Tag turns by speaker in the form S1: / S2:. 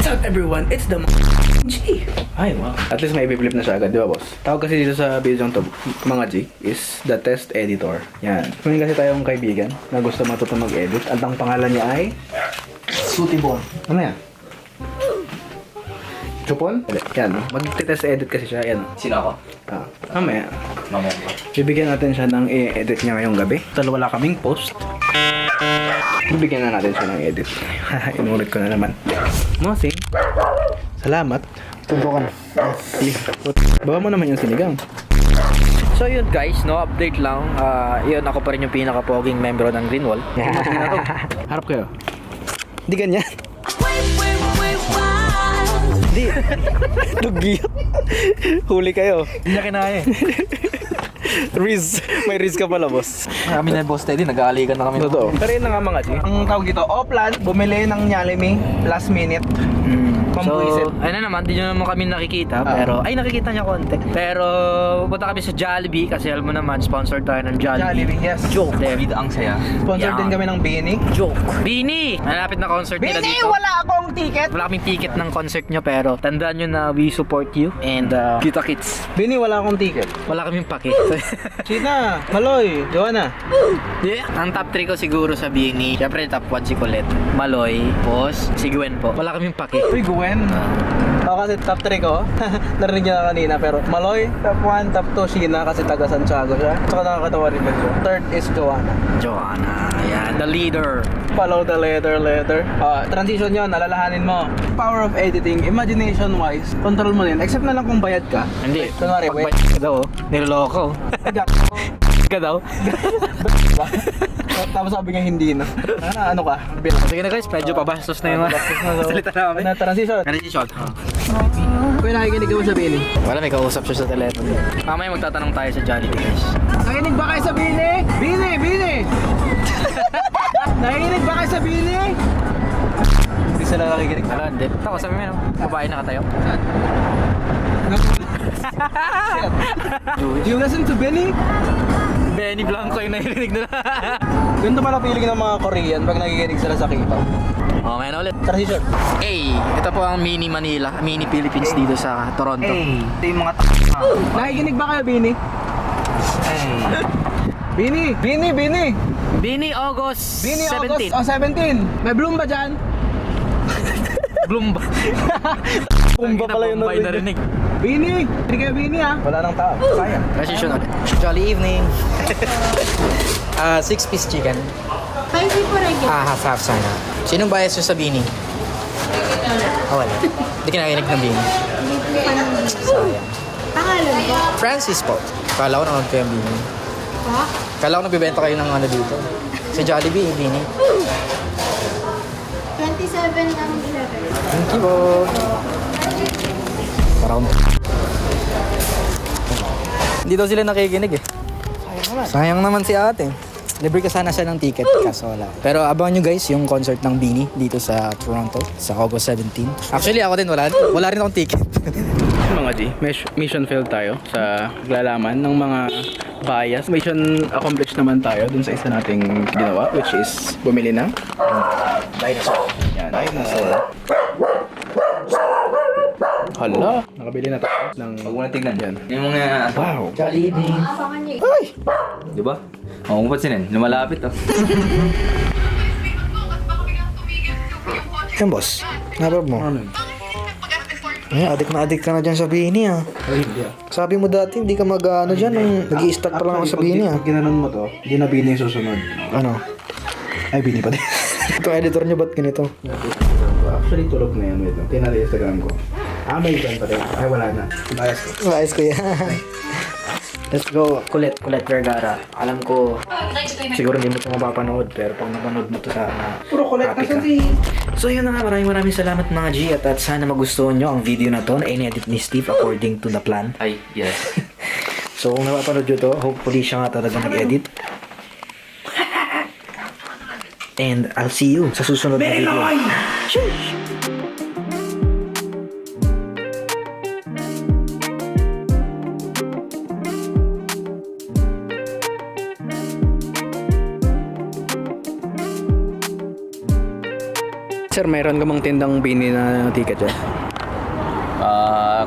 S1: up everyone? It's the G. Ay, wow. At least may i-flip na siya agad, di ba boss? Tawag kasi dito sa video to, mga G, is the test editor. Yan. Kunin kasi tayong kaibigan na gusto matuto mag-edit. At ang pangalan niya ay Sutibon. Ano yan? Chupon? Yan. Mag-test edit kasi siya. Yan.
S2: Sino ako?
S1: Mamaya.
S2: Mamaya.
S1: Bibigyan natin siya ng i-edit niya ngayong gabi. Dahil wala kaming post. Bibigyan na natin siya ng edit. Inulit ko na naman. Mosing. Salamat. Tubukan. Bawa mo naman yung sinigang.
S3: So yun guys, no, update lang. Yun, ako pa rin yung pinaka-poging membro ng Greenwall.
S1: Harap kayo. Hindi ganyan. Hindi. Dugyot. Huli kayo.
S2: Hindi niya kinaya eh.
S1: Riz. May Riz ka pala, boss.
S2: Kami na boss Teddy, nag-aaligan na kami.
S1: Totoo. Pero yun na nga mga G. Ang tawag dito, Oplan, bumili ng Nyalimi last minute. Pambuisit.
S3: So, ayun na naman, di nyo naman kami nakikita. Pero, ay nakikita niya konti. Pero, pupunta kami sa Jollibee kasi alam mo naman, sponsored tayo ng Jollibee.
S1: Jollibee, yes.
S3: Joke.
S2: David ang saya.
S1: Sponsor
S3: Yeah.
S1: din kami ng Bini.
S3: Joke. Bini! Malapit na concert nila
S1: Bini,
S3: dito.
S1: wala akong ticket.
S3: Wala kaming ticket ng concert nyo pero tandaan nyo na we support you and kita kits.
S1: Bini, wala akong ticket.
S3: Wala kaming pake.
S1: China, Maloy, Joanna.
S3: Yeah. Ang top 3 ko siguro sa Bini. Siyempre top 1 si Colette, Maloy, Boss, si Gwen po. Wala kaming pake.
S1: Uy, Gwen. Ako kasi top 3 ko. Narinig niya na kanina pero Maloy, top 1, top 2, Sheena kasi taga Santiago siya. Tsaka nakakatawa rin ba siya. Third is Joanna.
S3: Joanna, yan, the leader.
S1: Follow the letter. Transition yun, alalahanin mo. Power of editing, imagination wise, control mo din. Except na lang kung bayad ka.
S3: Hindi.
S1: Kunwari, wait.
S3: Pagbayad ka daw, niloloko. Ka daw.
S1: Tapos sabi nga hindi na. Ano ka?
S3: Sige na guys, medyo pabastos na yung salita namin.
S1: Transition.
S3: Transition.
S1: Kuya, nakikinig ka mo sabihin eh.
S3: Wala, may kausap siya sa telepono. Mamaya magtatanong tayo sa Jollibee guys.
S1: Nakikinig ba kayo sa Bini? Bini! Nakikinig ba kayo sa Bini? Hindi sila nakikinig.
S3: Wala, hindi. Ako, sabi mo yun, babae na katayo.
S1: Do you listen to Bini?
S3: Benny Blanco yung narinig na.
S1: Ganito pala feeling ng mga Korean pag nakikinig sila sa K-pop.
S3: Okay na ulit.
S1: Transition.
S3: Hey, ito po ang mini Manila, mini Philippines dito sa Toronto.
S1: Ito yung mga Nakikinig ba kayo, Bini? Bini!
S3: Bini August
S1: Bini
S3: 17.
S1: August 17. May bloom ba dyan?
S3: Bloomba.
S1: Bloom ba pala yun
S3: Bombay narinig.
S1: Bini! Hindi kayo Bini ha? Wala nang tao. Sayang.
S3: Transition ulit.
S4: Jolly evening. 6-piece chicken.
S5: 5 people regular.
S4: Half sana. Sinong bias nyo sa Bini? Wala. Hindi ka nakinig ng Bini. Sayang.
S5: Pangalan ko?
S4: Francis po. Kala ko nanonood kayo ng Bini.
S5: Ha?
S4: Kala ko nagbibenta kayo ng ano dito. Sa Jollibee, Bini.
S5: 27 ng 11.
S4: Thank you po. Parang... Hindi daw sila nakikinig eh. Sayang naman si ate. Libre ka sana siya ng ticket, kaso wala. Pero abangan nyo guys yung concert ng Bini dito sa Toronto sa August 17. Actually ako din, wala rin akong ticket.
S1: Mga G, mission failed tayo sa paglalaman ng mga bias. Mission accomplished naman tayo dun sa isa nating ginawa, which is bumili ng dinosaur. Yan, dinosaur. Hala, nakabili na tayo ng...
S2: Huwag mo na tignan.
S1: Yan.
S2: Yung mga...
S1: Wow!
S4: Jollibee.
S5: Abangan niyo.
S2: Di ba? Oo, kung pansinin, lumalapit oh.
S4: Yan boss, nabab mo.
S1: Ano?
S4: Ay, adik ka na dyan sa Bini ah.
S1: Ay, hindi ah.
S4: Sabi mo dati, hindi ka mag-ano dyan, nag-i-start pa lang ako sa Bini ah.
S1: Pag ginanon mo to, hindi na Bini yung susunod.
S4: Ano?
S1: Ay, Bini pa din.
S4: Itong editor nyo ba't ganito?
S1: Actually, tulog na yan. Wait lang. Tingnan natin Instagram ko. May iban pa rin. Ay, wala na. Bias ko.
S4: Maayos ko yan. Let's go.
S3: Colette Vergara. Alam ko, siguro hindi mo ito mapapanood, pero pag napanood mo ito sana,
S1: Puro collect
S3: happy
S1: kasi
S3: ka. So yun na nga, maraming salamat mga G at sana magustuhan nyo ang video na to na in-edit ni Steve according to the plan.
S2: Ay, yes.
S3: So kung napapanood nyo to, hopefully siya nga talaga nag-edit. And I'll see you sa susunod na video.
S1: Sir, mayroon ka bang tindang bini na ticket dyan?